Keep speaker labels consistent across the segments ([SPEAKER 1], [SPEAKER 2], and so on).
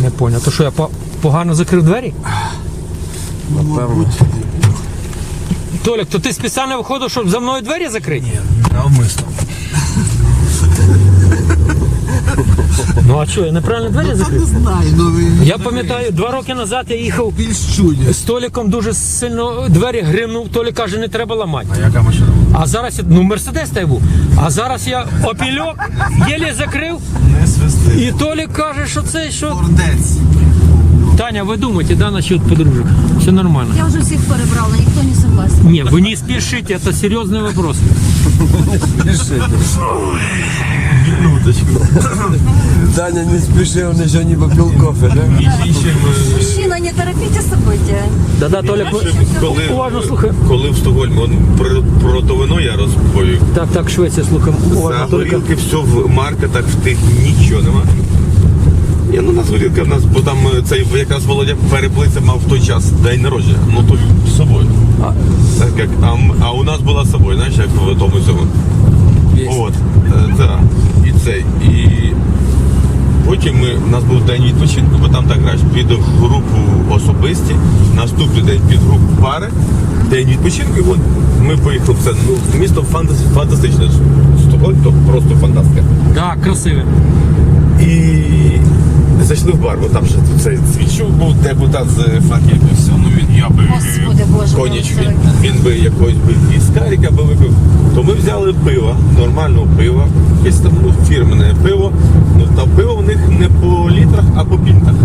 [SPEAKER 1] Не поняв. То що, я погано закрив двері?
[SPEAKER 2] Напевно.
[SPEAKER 1] Толік, то ти спеціально виходив, щоб за мною двері закрити?
[SPEAKER 2] Ні, навмисно.
[SPEAKER 1] Ну а що, я неправильно двері закрив?
[SPEAKER 3] Не знаю, ну ви...
[SPEAKER 1] Я пам'ятаю, 2 роки назад я їхав
[SPEAKER 3] Більш чудні.
[SPEAKER 1] з Толіком, дуже сильно двері гримнув, Толік каже, не треба ламати.
[SPEAKER 2] А яка машина?
[SPEAKER 1] А зараз, ну Мерседес та й був, а зараз я опільок, єлі закрив,
[SPEAKER 2] Не свисти.
[SPEAKER 1] і Толік каже, що це, що...
[SPEAKER 3] Ордець.
[SPEAKER 1] Таня, ви думаєте, да, насчет подружек? Все нормально.
[SPEAKER 4] Я уже всех перебрала, никто не согласен.
[SPEAKER 1] Не, вы не спешите, это серьезный вопрос.
[SPEAKER 2] Минуточку.
[SPEAKER 5] Даня не спешил, он еще не попил кофе, да?
[SPEAKER 4] Мужчина, не торопите события.
[SPEAKER 1] Да-да, Толя, уважно слухай.
[SPEAKER 6] Коли в Стокгольмі, про то вино я розповів.
[SPEAKER 1] Так, Швеція, слухай,
[SPEAKER 6] За
[SPEAKER 1] уважно, Толіка.
[SPEAKER 6] горілки все в маркетах, в тих нічого нема. Ні, ну у нас горілка, в нас, бо там цей якраз Володя Переплиця мав в той час день народження, ну то з собою. Так як, а у нас була з собою, знаєш, як в тому цьому. От, так, і цей, і потім у нас був день відпочинку, бо там так граєш, під групу особисті, наступний день під групу пари, день відпочинку, і от ми поїхали в це, ну, місто фантастичне, Стокгольм, то просто фантастика.
[SPEAKER 1] Так, красиве.
[SPEAKER 6] І зайшли в бар, бо там ще цей свічук був, депутат з факів і все. Ну він я би
[SPEAKER 4] Господи Боже,
[SPEAKER 6] коніч,
[SPEAKER 4] Боже.
[SPEAKER 6] він би якогось би віскаріка би випив. То ми взяли пиво, нормального пива, якесь там фірменне пиво. Ну та пиво в них не по літрах, а по пінтах.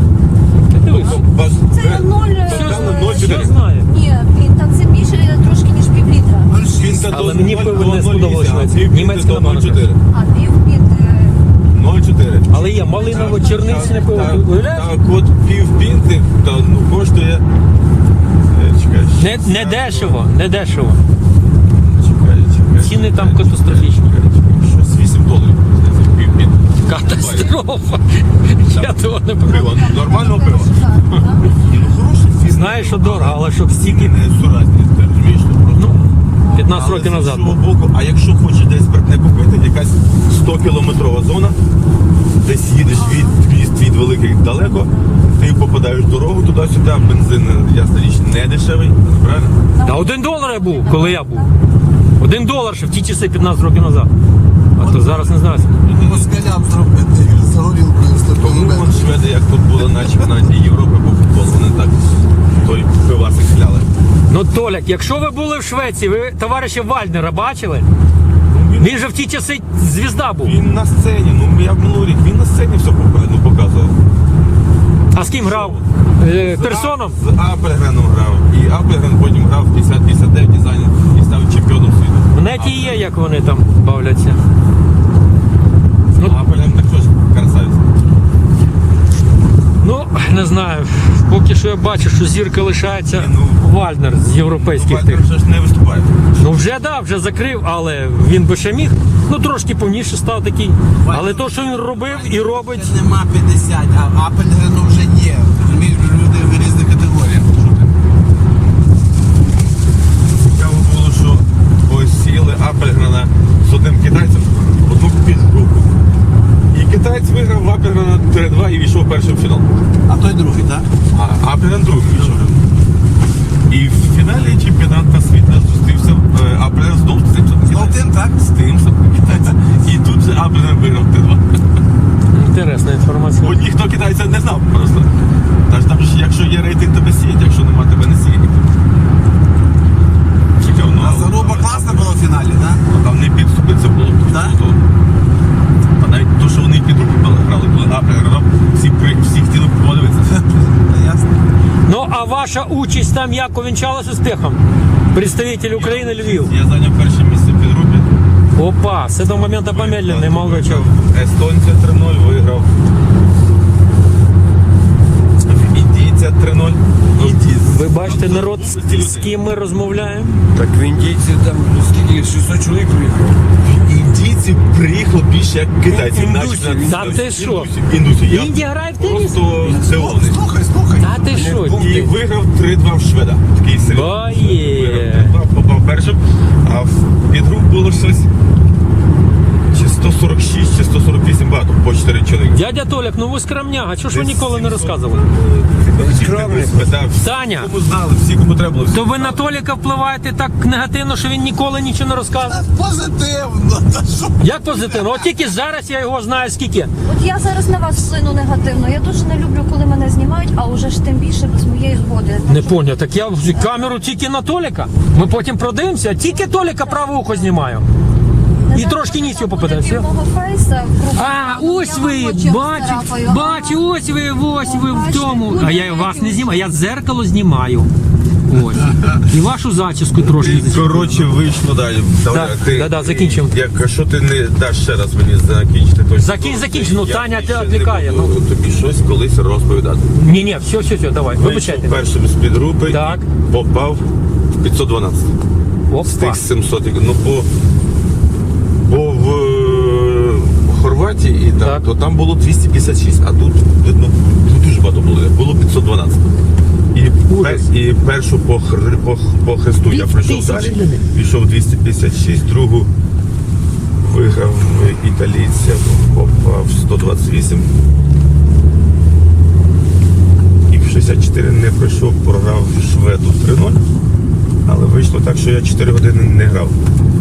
[SPEAKER 4] Це
[SPEAKER 6] 0,4.
[SPEAKER 1] Я знаю.
[SPEAKER 4] Ні, пінта це більше трошки, ніж півлітра.
[SPEAKER 6] Пінта
[SPEAKER 1] Але
[SPEAKER 6] до
[SPEAKER 1] мені пиво не сподобалось,
[SPEAKER 6] 0,8,
[SPEAKER 1] німецьке
[SPEAKER 6] до
[SPEAKER 1] нормально.
[SPEAKER 6] 0,4.
[SPEAKER 4] А пів під...
[SPEAKER 6] 0,4.
[SPEAKER 1] Але є малиново черничне пиво, ти уявляєш?
[SPEAKER 6] Так, от пів пінти, то ну, коштує. Чекай,
[SPEAKER 1] Не дешево, не дешево.
[SPEAKER 6] чекай.
[SPEAKER 1] Ціни там катастрофічні.
[SPEAKER 6] Щось $8, здається, пів пінти.
[SPEAKER 1] Катастрофа. Я того не
[SPEAKER 6] Пиво,
[SPEAKER 1] пив.
[SPEAKER 6] нормального пива.
[SPEAKER 4] Так, так.
[SPEAKER 6] Ну, хороший фільм.
[SPEAKER 1] Знаєш, що дорого, але щоб стільки,
[SPEAKER 6] Не суразні, ти розумієш, що просто.
[SPEAKER 1] ну, 15
[SPEAKER 6] Але
[SPEAKER 1] років
[SPEAKER 6] з
[SPEAKER 1] назад.
[SPEAKER 6] іншого боку, а якщо хочеш десь спиртне купити, якась 100-кілометрова зона, десь їдеш від міст від великих далеко, ти попадаєш в дорогу туди-сюди, бензин, ясна річ, не дешевий, правильно?
[SPEAKER 1] Та $1 я був, коли я був. $1 ще в ті часи 15 років назад. А то зараз не знаю.
[SPEAKER 3] Москалям зробити з горілкою з
[SPEAKER 6] Тому
[SPEAKER 3] такою
[SPEAKER 6] вон шведи, як тут були на чемпіонаті Європи по футболу, вони так той пивасик хляли.
[SPEAKER 1] Ну, Толяк, якщо ви були в Швеції, ви товариша Вальнера бачили? Він же в ті часи звізда був.
[SPEAKER 6] Він на сцені, ну я в минулий рік, він на сцені все показував.
[SPEAKER 1] А з ким грав? Персоном?
[SPEAKER 6] З Апельгреном грав. І Апельген потім грав в 50-59 дизайні і став чемпіоном світу.
[SPEAKER 1] В неті є, як вони там бавляться.
[SPEAKER 6] Ну, Апельген також красавець.
[SPEAKER 1] Ну, не знаю. Поки що я бачу, що зірка лишається Вальнер з європейських
[SPEAKER 6] Вальтер
[SPEAKER 1] тих.
[SPEAKER 6] вже ж не виступає.
[SPEAKER 1] Ну вже да, вже закрив, але він би ще міг. Ну трошки повніше став такий. Але то, що він робив і робить.
[SPEAKER 3] Нема 50, а Апельгрену вже є. Розумієш, люди в різних категоріях.
[SPEAKER 6] Цікаво було, що ось сіли Апельгрена з одним китайцем в одну підгрупу. І китаєць виграв в Апельгрена 3-2 і війшов першим в фінал.
[SPEAKER 3] А той другий, так?
[SPEAKER 6] А Апельген другим вийшов. І в фіналі чемпіонату світу зустрівся Апельген знову з цим
[SPEAKER 3] Золотим, так?
[SPEAKER 6] З тим самим китайцем. І тут же Апельген виграв 3-2.
[SPEAKER 1] Інтересна інформація.
[SPEAKER 6] Бо ніхто китайця не знав просто. Тож там ж, якщо є рейтинг, тебе сіють, якщо нема, тебе не сіють. Цікаво, ну,
[SPEAKER 3] А заруба класна була в фіналі, так?
[SPEAKER 6] Ну, там не підступи, це було.
[SPEAKER 3] Так?
[SPEAKER 6] А навіть то, що вони під руку грали, коли Апельген грав, всі хотіли подивитися.
[SPEAKER 3] Ясно.
[SPEAKER 1] Ну а ваша участь там як увінчалась успіхом? Представитель України Львів.
[SPEAKER 6] Я зайняв перше місце в підгрупі.
[SPEAKER 1] Опа, з цього моменту помедлений, молодой чоловік.
[SPEAKER 6] Естонця 3-0 виграв. Індійця 3-0.
[SPEAKER 1] Ви бачите народ, з ким ми розмовляємо?
[SPEAKER 5] Так в індійці там скільки, 600 чоловік приїхало.
[SPEAKER 6] Індійців приїхало більше, як китайців.
[SPEAKER 5] Індусів.
[SPEAKER 1] Та ти що?
[SPEAKER 6] Індусів. Я
[SPEAKER 1] Індія грає в теніс?
[SPEAKER 6] просто здивований.
[SPEAKER 3] Слухай.
[SPEAKER 1] Та ти що?
[SPEAKER 6] І виграв 3-2 в шведа. Такий серйозний.
[SPEAKER 1] Боє.
[SPEAKER 6] Виграв 3-2, попав першим. А в підгруп було щось. 146 чи 148 батов по 4 чоловіки.
[SPEAKER 1] Дядя Толяк, ну ви скромняга, чого ж ви ніколи не розказували?
[SPEAKER 6] Скромний.
[SPEAKER 1] Таня,
[SPEAKER 6] Кому знали, всі, кому треба було. всі
[SPEAKER 1] то ви
[SPEAKER 6] знали.
[SPEAKER 1] на Толіка впливаєте так негативно, що він ніколи нічого не розказує.
[SPEAKER 3] Позитивно, та що?
[SPEAKER 1] Як позитивно? От тільки зараз я його знаю скільки.
[SPEAKER 4] От я зараз на вас вплину негативно. Я дуже не люблю, коли мене знімають, а уже ж тим більше без моєї згоди.
[SPEAKER 1] Не поняв, так я камеру тільки на Толіка. Ми потім продивимося, тільки Толіка праве ухо знімаю. І трошки ніс його попаде, все?
[SPEAKER 4] Мого фейса,
[SPEAKER 1] А, ось ви, бачу, ось ви в тому. А я вас не знімаю, я дзеркало знімаю. Ось. І вашу зачіску трошки
[SPEAKER 6] І,
[SPEAKER 1] зачіпаю.
[SPEAKER 6] коротше, вийшло далі.
[SPEAKER 1] Да, закінчимо.
[SPEAKER 6] Якщо ти не даш ще раз мені закінчити, то
[SPEAKER 1] Закінч, ну,
[SPEAKER 6] я
[SPEAKER 1] Таня
[SPEAKER 6] більше
[SPEAKER 1] відвлікає,
[SPEAKER 6] не буду тобі щось колись розповідати.
[SPEAKER 1] Ні, все, давай, вибачайте.
[SPEAKER 6] Вийшов першим з підгрупи
[SPEAKER 1] Так.
[SPEAKER 6] і попав в 512. З
[SPEAKER 1] Опа.
[SPEAKER 6] тих 700. Ну, бо в Хорватії
[SPEAKER 1] Так.
[SPEAKER 6] то там було 256, а тут видно дуже багато було. Було 512.
[SPEAKER 1] Ужас.
[SPEAKER 6] І першу по хресту я пройшов
[SPEAKER 1] 2000
[SPEAKER 6] далі. Пішов 256, другу виграв італійця, попав 128. І в 64 не пройшов, програв шведу 3-0. Але вийшло так, що я 4 години не грав.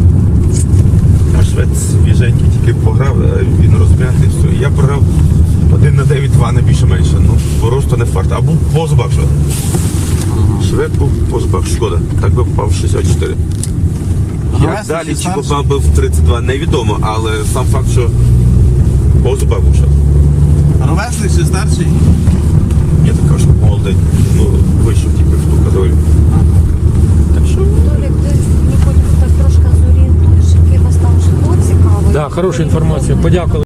[SPEAKER 6] А швед свіженький тільки пограв, а він розм'ятий, все. І я програв 1/9-2, не більше-менше. Ну, просто не фарт. А був по зубах швед. Швед був по зубах, шкода. Так би попав в 64. Як
[SPEAKER 3] Ровесник
[SPEAKER 6] далі
[SPEAKER 3] чи
[SPEAKER 6] чи
[SPEAKER 3] старший?
[SPEAKER 6] попав би в 32, невідомо, але сам факт, що по зубах був швед.
[SPEAKER 3] Ровесник чи старший?
[SPEAKER 6] Я також молодий, ну, вийшов тільки в ту категорію. Так що
[SPEAKER 4] Толік, ти мені потім так трошки зорієнтуєш, який у вас там житло цікаве.
[SPEAKER 1] Да, хороша інформація, подякували.